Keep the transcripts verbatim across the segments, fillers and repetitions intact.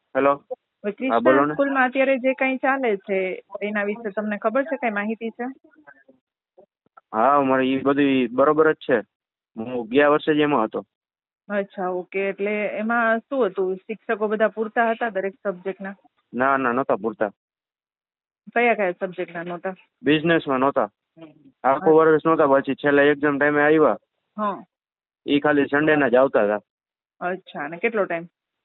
Hello. હવે હા બોલો ક્રિષ્ના ને. સ્કૂલમાં અત્યારે જે કંઈ ચાલે છે એના વિશે તમને ખબર છે, કઈ માહિતી છે? હા મારે એ બધી બરોબર જ છે. હું ગયા વર્ષે જ એમાં હતો. અચ્છા, ઓકે. એટલે એમાં શું હતું, શિક્ષકો બધા પૂરતા હતા દરેક સબ્જેક્ટના? ના ના નહોતા પૂરતા. કયા કયા સબ્જેક્ટના નહોતા? બિઝનેસમાં નહોતા. આખું વર્ષ નહોતા, પછી છેલ્લે એક્ઝામ ટાઈમે આવ્યા હા. એ ખાલી સન્ડેના જ આવતા હતા. અચ્છા, અને કેટલો ટાઈમ?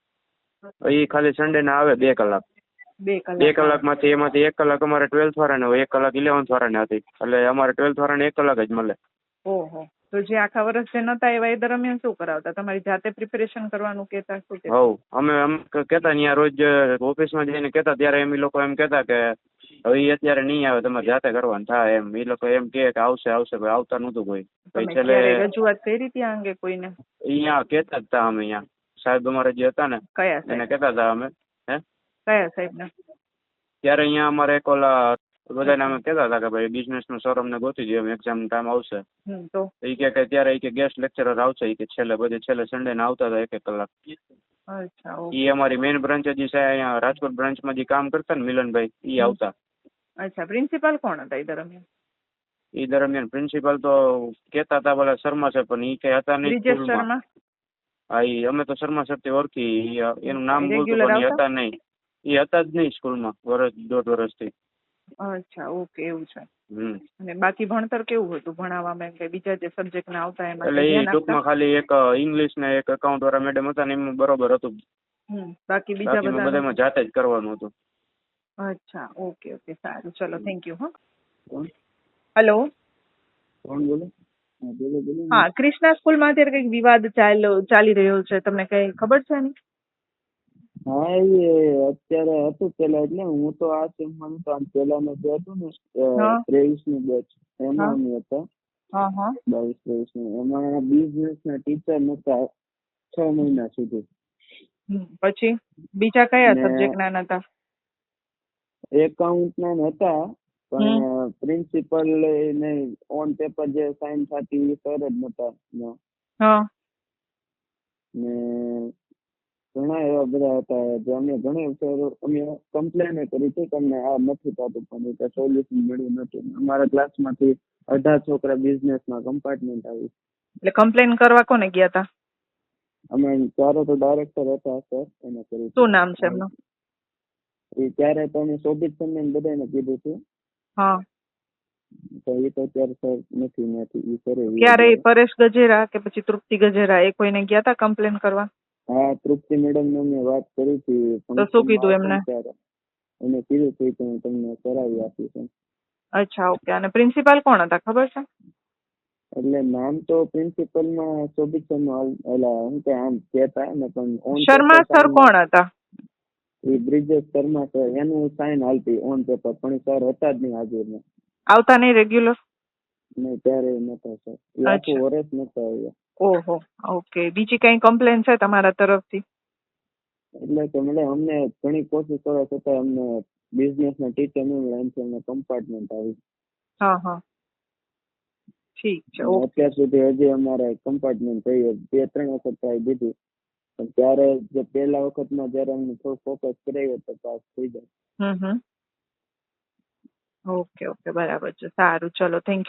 એ ખાલી સન્ડેના આવે બે કલાક. બે બે કલાક કલાકમાંથી એમાંથી એક કલાક અમારે ટ્વેલ્થ વાળાને હોય, એક કલાક ઇલેવન્થ વાળાને હતી. એટલે અમારે ટ્વેલ્થ વાળાને એક કલાક જ મળે. ઓહો. તો જે આખા વર્ષ જે નહોતા એવા એ દરમિયાન શું કરાવતા? તમારી જાતે પ્રિપેરેશન કરવાનું કહેતા, શું કહેતા? હવ અમે અમે કહેતા ત્યાં રોજ ઓફિસમાં જઈને કહેતા, ત્યારે એમ એ લોકો એમ કહેતા કે હવે એ અત્યારે નહીં આવે, તમારે જાતે કરવાનું થાય એમ. એ લોકો એમ કહે કે આવશે આવશે, ભાઈ આવતા નહોતું કોઈ. પછી તમે છેલ્લે ક્યારે રજૂઆત કરી હતી આ અંગે કોઈને? અહીંયા કહેતા જ હતા અમે, અહીંયા સાહેબ અમારે જે હતા ને કયા એને સાહેબ? કહેતા હતા અમે. હે કયા સાહેબને? ત્યારે અહીંયા અમારે એક ઓલા બધાને અમે કહેતા હતા કે ભાઈ બિઝનેસનું સર અમને ગોતી દો, એમ એક્ઝામ ટાઈમ આવશે. હમ તો એ કે કે ત્યારે એ કે ગેસ્ટ લેક્ચરર આવશે, એ કે છેલ્લે બધે છેલ્લે સન્ડે ના આવતા હતા એક એક કલાક. અચ્છા, એ અમારી મેઇન બ્રાન્ચ જે છે અહીંયા રાજકોટ બ્રાન્ચમાં જે કામ કરતા ને મિલનભાઈ, એ આવતા. અચ્છા. પ્રિન્સિપાલ કોણ હતા એ દરમિયાન? એ દરમિયાન પ્રિન્સિપાલ તો કહેતા હતા પેલા શર્મા છે, પણ એ કઈ હતા નહીં બ્રિજેશ સ્કૂલમાં. શર્મા? હા ઈ અમે તો શર્મા સરથી ઓળખી. ઈ એનું નામ બોલતું રેગ્યુલર પણ એ આવતા? હતા નહીં. એ હતા જ નહીં સ્કૂલમાં વર્ષ દોઢ વર્ષથી. અચ્છા, ઓકે. એવું છે. હમ અને બાકી ભણતર કેવું હતું ભણાવવામાં, એમ કે બીજા જે સબ્જેક્ટ ના આવતા એમાં એટલે કઈ એ ધ્યાન આપતા? ટૂંકમાં ખાલી એક ઇંગ્લિશ ને એક એકાઉન્ટ વાળા મેડમ હતા ને એમાં બરોબર હતું. હમ બાકી બીજા બાકી મેં બધા? બધામાં જાતે જ કરવાનું હતું. અચ્છા, ઓકે ઓકે. સારું, ચલો, થેન્ક યુ. હા. કોણ હેલો. કોણ બોલો? હા બોલો બોલો. હા, ક્રિષ્ના સ્કૂલમાં અત્યારે કંઈક વિવાદ ચાલ્યો ચાલી રહ્યો છે, તમને કઈ ખબર છે એની? હા એ અત્યારે હતું પેલા, એટલે હું તો આ સેમમાં નતો, આમ પેલાનું જે હતું ને હા ત્રેવીસ નું બેચ હા એમાં અમે હતા. હા હા. બાવીસ ત્રેવીસ નું એમાં બિઝનેસ ના ટીચર નતા છ મહિના સુધી. હમ, પછી બીજા કયા ને સબ્જેક્ટ ના નતા? એકાઉન્ટ ના હતા, હમ પણ પ્રિન્સિપલ ને ઓન પેપર જે સાઇન થતી એ સર જ નતા. હા. ને ઘણા એવા બધા હતા જે અમે ઘણી અમે કમ્પ્લેન કરી હતી કે અમને આ નથી થતું, પણ એ સોલ્યુશન મળ્યું નથી. અમારા ક્લાસમાંથી અઢાર છોકરા બિઝનેસમાં કમ્પાર્ટમેન્ટ આવી. એટલે કમ્પ્લેન કરવા કોને ગયા હતા? અમે ત્યારે તો ડાયરેક્ટર હતા સર, એને કરી શું નામ છે એમનું? એ ત્યારે તો અમે શોભિત સર ને બધાને કીધું હતું, હા. તો એ તો અત્યારે સર નથી નથી એ કરે. ક્યારે પરેશ ગજેરા કે પછી તૃપ્તિ ગજેરા એ કોઈને ગયા હતા કમ્પ્લેન કરવા? હા, તૃપ્તિ મેડમ ને અમે વાત કરી હતી તો શું કીધું ફંક્શનમાં એમને? ત્યારે એને કીધું હતું કે હું તમને કરાવી આપીશ. અચ્છા, ઓકે. અને પ્રિન્સિપાલ કોણ હતા ખબર છે? એટલે નામ તો પ્રિન્સિપલ માં શોભિત સર ઓલા હું કે આમ કહેતા ને, પણ ઓન શર્મા સર કોણ હતા? એ બ્રિજેશ શર્મા સર, એનું સાઇન હાલતી ઓન પેપર, પણ સર હતા જ નહીં હાજર. આવતા નહીં રેગ્યુલર? નહીં, ત્યારે નતા સર. એ આખું વર્ષ નતા આવ્યા. ઓહો, ઓકે. બીજી કઈ કમ્પ્લેન છે તમારા તરફથી? એટલે કે મને અમને ઘણી કોશિશ કરવા છતાં અમને બિઝનેસ ના ટીચર નહીં મળે, એમ અમને કમ્પાર્ટમેન્ટ આવી. હા હા, ઠીક છે. ઓકે. અત્યાર સુધી હજી અમારે કમ્પાર્ટમેન્ટ થઈ બે ત્રણ વખત ટ્રાય દીધી, પણ ત્યારે જે પહેલા વખતમાં જયારે અમને થોડું ફોકસ કરાવ્યો તો પાસ થઈ જાય. હમ હમ. ઓકે ઓકે, બરાબર છે. સારું, ચલો, થેન્ક યુ.